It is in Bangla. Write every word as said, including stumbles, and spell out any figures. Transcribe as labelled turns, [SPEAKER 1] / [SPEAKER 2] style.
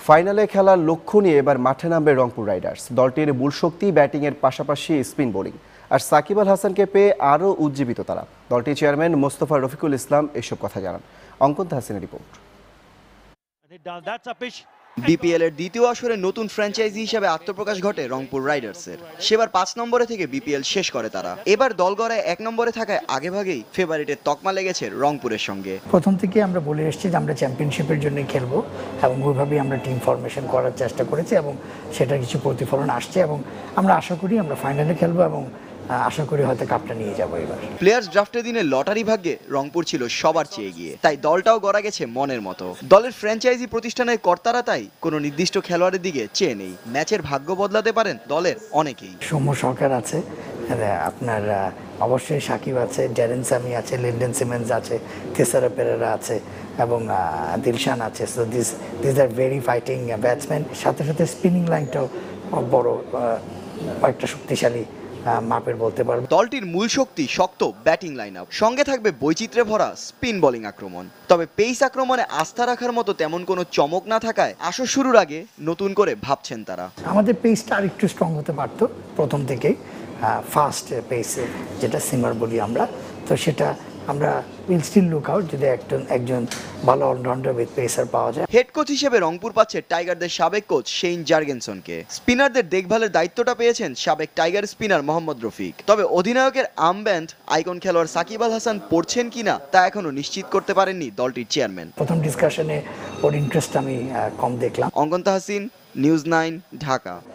[SPEAKER 1] ফাইনালে খেলার লক্ষ্য নিয়ে এবার মাঠে নামবে রংপুর রাইডার্স। দলটির মূল শক্তি ব্যাটিংয়ের পাশাপাশি স্পিন বোলিং, আর সাকিব আল হাসানকে পেয়ে আরও উজ্জীবিত তারা। দলটির চেয়ারম্যান মোস্তফা রফিকুল ইসলাম এসব কথা জানান। অঙ্কন তাহসিনের রিপোর্ট।
[SPEAKER 2] বিপিএল এর দ্বিতীয় আসরে নতুন ফ্র্যাঞ্চাইজি হিসেবে আত্মপ্রকাশ ঘটে রংপুর রাইডার্সের। সেবার পাঁচ নম্বরে থেকে বিপিএল শেষ করে তারা। এবার দল গড়ায় এক নম্বরে থাকায় আগেভাগেই ফেভারিটের তকমা লেগেছে রংপুরের সঙ্গে।
[SPEAKER 3] প্রথম থেকে আমরা বলে এসেছি যে আমরা চ্যাম্পিয়নশিপের জন্য খেলবো এবং ওইভাবেই আমরা টিম ফরমেশন করার চেষ্টা করেছি এবং সেটার কিছু প্রতিফলন আসছে এবং আমরা আশা করি আমরা ফাইনালে খেলবো এবং আশা করি হয়তো কাপটা নিয়ে যাবো এবার।
[SPEAKER 2] প্লেয়ার্স ড্রাফটের দিনে লটারি ভাগ্যে রংপুর ছিল সবার চেয়ে এগিয়ে, তাই দলটাও গড়া গেছে মনের মতো। দলের ফ্র্যাঞ্চাইজি প্রতিষ্ঠানের কর্তারা তাই কোনো নির্দিষ্ট খেলোয়াড়ের দিকে চেয়ে নেই। ম্যাচের ভাগ্য বদলাতে পারেন দলের অনেকেই।
[SPEAKER 3] সৌম্য সরকার আছে, আপনার অবশ্যই সাকিব আছে, ড্যারেন সামি আছে, লিন্ডেন সিমেন্স আছে, তেসারা পেরেরা আছে এবং দিলশান আছে। So this this are very fighting batsman. সাথে সাথে স্পিনিং লাইনটাও বড় একটা শক্তিশালী মাপের বলতে পারবো।
[SPEAKER 2] দলটির মূল শক্তি শক্ত ব্যাটিং লাইন আপ, সঙ্গে থাকবে বৈচিত্র্যে ভরা স্পিন বোলিং আক্রমণ। তবে পেস আক্রমণে আস্থা রাখার মতো তেমন কোনো চমক না থাকায় আসর শুরুর আগে নতুন করে ভাবছেন তারা।
[SPEAKER 3] আমাদের পেসটা আর একটু স্ট্রং হতে পারতো প্রথম থেকেই, ফাস্ট পেসে যেটা সিমার বলি আমরা, তো সেটা আমরা উইল স্টিল লুক আউট যদি একজন একজন ভালো অলরাউন্ডার উইথ পেসার পাওয়া যায়।
[SPEAKER 2] হেড কোচ হিসেবে রংপুর পাচ্ছে টাইগারদের সাবেক কোচ শেইন জার্গেনসনকে। স্পিনারদের দেখভালের দায়িত্বটা পেয়েছেন সাবেক টাইগার স্পিনার মোহাম্মদ রফিক। তবে অধিনায়কের আর্মব্যান্ড আইকন খেলোয়াড় সাকিব আল হাসান পড়ছেন কিনা তা এখনো নিশ্চিত করতে পারেননি দলটির চেয়ারম্যান।
[SPEAKER 3] প্রথম ডিসকাশনে ওর ইন্টারেস্ট আমি কম দেখলাম।
[SPEAKER 2] অঙ্কন তাহসিন, নিউজ নাইন, ঢাকা।